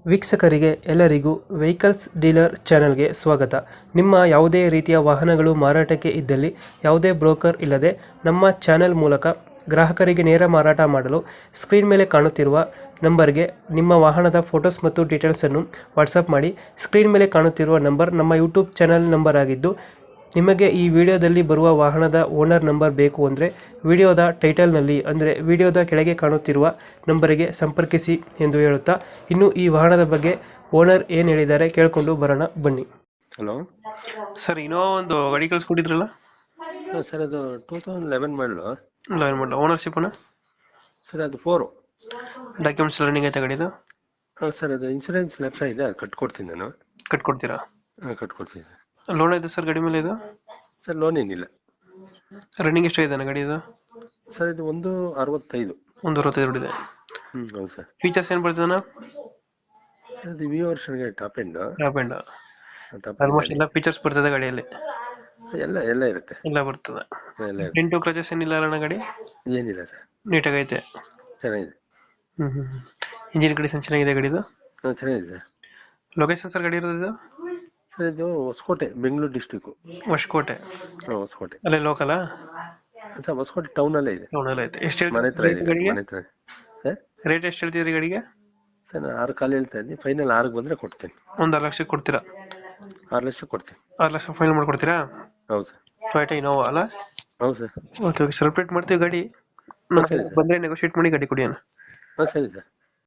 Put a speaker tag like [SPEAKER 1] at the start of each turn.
[SPEAKER 1] ವೀಕ್ಷಕರಿಗೆ ಎಲ್ಲರಿಗೂ vehicles dealer ಚಾನೆಲ್ಗೆ ಸ್ವಾಗತ. ನಿಮ್ಮ ಯಾವುದೇ ರೀತಿಯ ವಾಹನಗಳು ಮಾರಾಟಕ್ಕೆ ಇದ್ದಲ್ಲಿ ಯಾವುದೇ ಬ್ರೋಕರ್ ಇಲ್ಲದೆ ನಮ್ಮ ಚಾನೆಲ್ ಮೂಲಕ ಗ್ರಾಹಕರಿಗೆ ನೇರ ಮಾರಾಟ ಮಾಡಲು ಸ್ಕ್ರೀನ್ ಮೇಲೆ ಕಾಣುತ್ತಿರುವ ನಂಬರ್ಗೆ ನಿಮ್ಮ ವಾಹನದ ಫೋಟೋಸ್ ಮತ್ತು ಡೀಟೇಲ್ಸನ್ನು ವಾಟ್ಸಪ್ ಮಾಡಿ. ಸ್ಕ್ರೀನ್ ಮೇಲೆ ಕಾಣುತ್ತಿರುವ ನಂಬರ್ ನಮ್ಮ ಯೂಟ್ಯೂಬ್ ಚಾನೆಲ್ ನಂಬರ್ ಆಗಿದ್ದು, ನಿಮಗೆ ಈ ವಿಡಿಯೋದಲ್ಲಿ ಬರುವ ವಾಹನದ ಓನರ್ ನಂಬರ್ ಬೇಕು ಅಂದರೆ ವಿಡಿಯೋದ ಟೈಟಲ್ನಲ್ಲಿ ಅಂದರೆ ವಿಡಿಯೋದ ಕೆಳಗೆ ಕಾಣುತ್ತಿರುವ ನಂಬರಿಗೆ ಸಂಪರ್ಕಿಸಿ ಎಂದು ಹೇಳುತ್ತಾ, ಇನ್ನು ಈ ವಾಹನದ ಬಗ್ಗೆ ಓನರ್ ಏನು ಹೇಳಿದ್ದಾರೆ ಕೇಳಿಕೊಂಡು ಬರೋಣ ಬನ್ನಿ.
[SPEAKER 2] ಹಲೋ
[SPEAKER 1] ಸರ್, ಇನ್ನೋವಾ ಒಂದು ಗಾಡಿ ಕಳಿಸ್ಕೊಟ್ಟಿದ್ರಲ್ಲ
[SPEAKER 2] ಸರ್, ಅದು 2011 ಮಾಡಲು.
[SPEAKER 1] ಓನರ್ಶಿಪ್
[SPEAKER 2] ಸರ್ ಅದು 4.
[SPEAKER 1] ಡಾಕ್ಯುಮೆಂಟ್ಸ್ ರನ್ನಿಂಗ್ ಐತೆ ಗಾಡಿದು?
[SPEAKER 2] ಸರ್ ಅದು ಇನ್ಸೂರೆನ್ಸ್ ಲೆಫ್ಟ್ ಇದೆ, ಅದು ಕಟ್ಕೊಡ್ತೀನಿ ನಾನು.
[SPEAKER 1] ಕಟ್ಕೊಡ್ತೀರಾ?
[SPEAKER 2] ಕಟ್ಕೊಡ್ತೀನಿ.
[SPEAKER 1] ಲೋನ್ ಐತೆ ಸರ್ ಗಾಡಿ ಮೇಲೆ ಇದು?
[SPEAKER 2] ಸರ್ ಲೋನ್ ಏನಿಲ್ಲ.
[SPEAKER 1] ರನ್ನಿಂಗ್ ಎಷ್ಟು ಇದೆ ಗಾಡಿ ಇದು?
[SPEAKER 2] ಸರ್ ಇದು 165.
[SPEAKER 1] 165 ಇದೆ.
[SPEAKER 2] ಹೌದು ಸರ್.
[SPEAKER 1] ಫೀಚರ್ಸ್ ಏನು ಬರ್ತದೆ?
[SPEAKER 2] ಸರ್ ಅದು ವಿ ವರ್ಷನ್ಗೆ ಟಾಪ್ ಎಂಡ್
[SPEAKER 1] ಆಲ್ಮೋಸ್ಟ್ ಎಲ್ಲ ಫೀಚರ್ಸ್ ಬರ್ತದೆ ಗಾಡಿಯಲ್ಲಿ?
[SPEAKER 2] ಎಲ್ಲ ಎಲ್ಲ ಇರುತ್ತೆ.
[SPEAKER 1] ಎಲ್ಲ ಬರ್ತದೆ.
[SPEAKER 2] ಎಲ್ಲ ಇರುತ್ತೆ.
[SPEAKER 1] ಡೆಂಟು ಕ್ರಚಸ್ ಏನಿಲ್ಲ ಅಣ್ಣ ಗಾಡಿ?
[SPEAKER 2] ಏನಿಲ್ಲ ಸರ್,
[SPEAKER 1] ನೀಟಾಗೈತೆ.
[SPEAKER 2] ಚೆನ್ನಾಗಿದೆ.
[SPEAKER 1] ಇಂಜಿನ್ ಕಂಡೀಷನ್ ಚೆನ್ನಾಗಿದೆ ಗಾಡಿದು?
[SPEAKER 2] ಚೆನ್ನಾಗಿದೆ ಸರ್.
[SPEAKER 1] ಲೊಕೇಶನ್ ಸರ್ ಗಾಡಿ ಇರೋದು?
[SPEAKER 2] ಸರ್ ಇದು ಹೊಸಕೋಟೆ, ಬೆಂಗಳೂರು ಡಿಸ್ಟಿಕ್.
[SPEAKER 1] ಹೊಸಕೋಟೆ?
[SPEAKER 2] ಹೊಸಕೋಟೆ
[SPEAKER 1] ಅಲ್ಲೇ ಲೋಕಲ್?
[SPEAKER 2] ಸರ್ ಹೊಸಕೋಟೆ ಟೌನ್ ಅಲ್ಲೇ ಇದೆ.
[SPEAKER 1] ಟೌನ್ ಅಲ್ಲೇ ಐತೆ. ಎಷ್ಟು
[SPEAKER 2] ಮನೆ ಹತ್ರ ಇದೆ, ಮನೆ ಹತ್ರ. ಸರ್
[SPEAKER 1] ರೇಟ್ ಎಷ್ಟು ಹೇಳ್ತೀರಿ ಗಾಡಿಗೆ?
[SPEAKER 2] ಸರ್ ನಾನು 6 ಕಾಲು ಹೇಳ್ತಾ ಇದ್ದೀನಿ, ಫೈನಲ್ 6 ಬಂದ್ರೆ ಕೊಡ್ತೀನಿ.
[SPEAKER 1] ಒಂದು 6 ಲಕ್ಷಕ್ಕೆ ಕೊಡ್ತೀರಾ?
[SPEAKER 2] 6 ಲಕ್ಷ ಕೊಡ್ತೀನಿ.
[SPEAKER 1] 6 ಲಕ್ಷ ಫೈನಲ್ ಮಾಡ್ಕೊಡ್ತೀರಾ?
[SPEAKER 2] ಹೌದು ಸರ್.
[SPEAKER 1] ಟೊಯೋಟಾ ಇನೋವಾ ಅಲ್ಲ?
[SPEAKER 2] ಹೌದು ಸರ್.
[SPEAKER 1] ಓಕೆ ಓಕೆ, ಸೆಲೆಬ್ರೇಟ್ ಮಾಡ್ತೀವಿ ಗಾಡಿ.
[SPEAKER 2] ಸರಿ ಸರ್.
[SPEAKER 1] ಬಂದರೆ ನೆಗೋಷಿಯೇಟ್ ಮಾಡಿ ಗಾಡಿ ಕೊಡಿ ಅಣ್ಣ.
[SPEAKER 2] ಸರಿ ಸರ್.